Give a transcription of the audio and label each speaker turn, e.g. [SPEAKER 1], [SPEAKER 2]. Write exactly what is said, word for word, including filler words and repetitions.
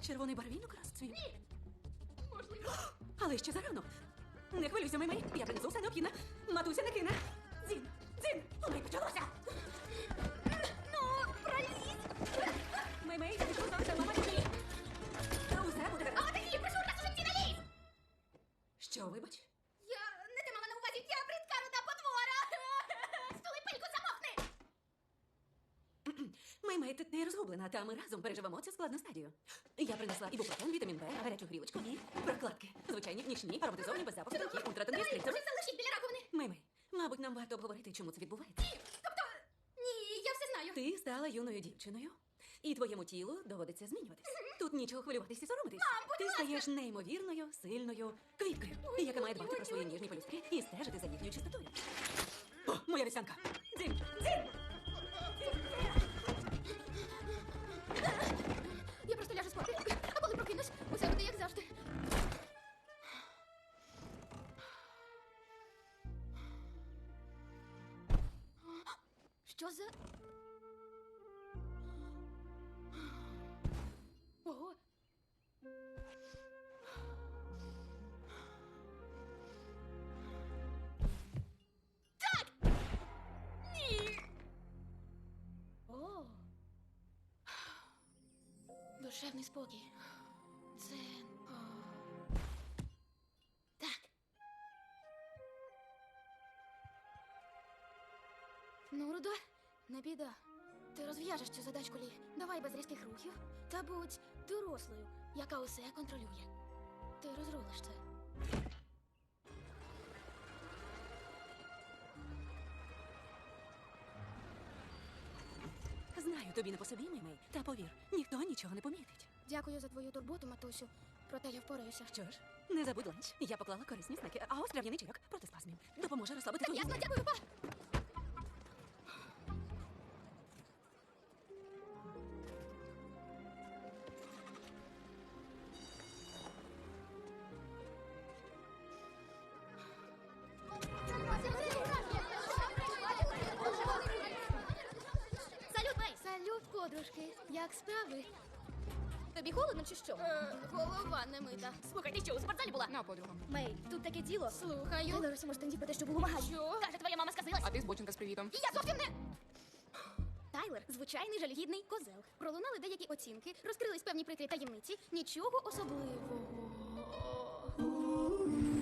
[SPEAKER 1] Червоний барвінок розцвів.
[SPEAKER 2] Ні. Можливо.
[SPEAKER 1] Але ще зарано. Не хвилюйся, Мей-Мей. Я принесу все необхідне. Матуся не кине. Дзін, дзін, у неї почалося.
[SPEAKER 2] Ну, пролізь.
[SPEAKER 1] Мей-Мей, я пішов завжди, мама ні. Усе буде гаразд.
[SPEAKER 2] А ти її прошу раз у житті не лізь.
[SPEAKER 1] Що, вибач?
[SPEAKER 2] Я не те мала на увазі, я бридка руда потвора. Стули пильку, замовкни.
[SPEAKER 1] Мей-Мей, ти не розгублена, та ми разом переживемо цю складну стадію. Я принесла ібупрофен, вітамін Б, гарячу грілочку і прокладки. Звичайні, нічні, ароматизовані, без запаху, тонкі, ультратонкі,
[SPEAKER 2] Давай,
[SPEAKER 1] стриптори.
[SPEAKER 2] вже залишіть біля раковини.
[SPEAKER 1] Мей-Мей, мабуть, нам варто обговорити, чому це відбувається.
[SPEAKER 2] Тобто, ні, я все знаю.
[SPEAKER 1] Ти стала юною дівчиною, і твоєму тілу доводиться змінюватись. Тут нічого хвилюватись і соромитись.
[SPEAKER 2] Мам, будь
[SPEAKER 1] Ти
[SPEAKER 2] ласка!
[SPEAKER 1] стаєш неймовірною, сильною квіткою, яка має дбати про свої ніжні пелюстки і стежити за їхньою чистотою. О, моя вівсянка! Дзінь! Дзінь!
[SPEAKER 2] Я просто ляжу спати. А коли прокинусь, усе буде як завжди. Що за... Ого. Так! Ні! О! Душевний спокій. Дзен. О. Так. Ну, Рудо, не біда. Ти розв'яжеш цю задачку, Лі. Давай без різких рухів. Та будь дорослою, яка усе контролює. Ти розрулиш це.
[SPEAKER 1] Знаю, тобі не по собі, Мей-Мей, та повір, ніхто нічого не помітить.
[SPEAKER 2] Дякую за твою турботу, матусю. Проте я впораюся.
[SPEAKER 1] Що ж, не забудь ланч. Я поклала корисні снеки, а ось трав'яний чайок проти спазмів. Допоможе розслабити твої
[SPEAKER 2] Ясно,
[SPEAKER 1] нерви.
[SPEAKER 2] дякую, па! Салют, Мей! Салют, подружки. Як справи? Тобі холодно чи що? Е, голова не мита. Слухай, ти що, у спортзалі була?
[SPEAKER 3] На, подруга.
[SPEAKER 2] Мей, тут таке діло. Слухаю.
[SPEAKER 3] Ну,
[SPEAKER 2] Тайлер усім штанді про те, що був у магазині. Що? Каже, твоя мама сказилась.
[SPEAKER 3] А ти збочинка з привітом.
[SPEAKER 2] І я зовсім не... Тайлер – звичайний жалюгідний козел. Пролунали деякі оцінки, розкрились певні прикрі таємниці. Нічого особливого.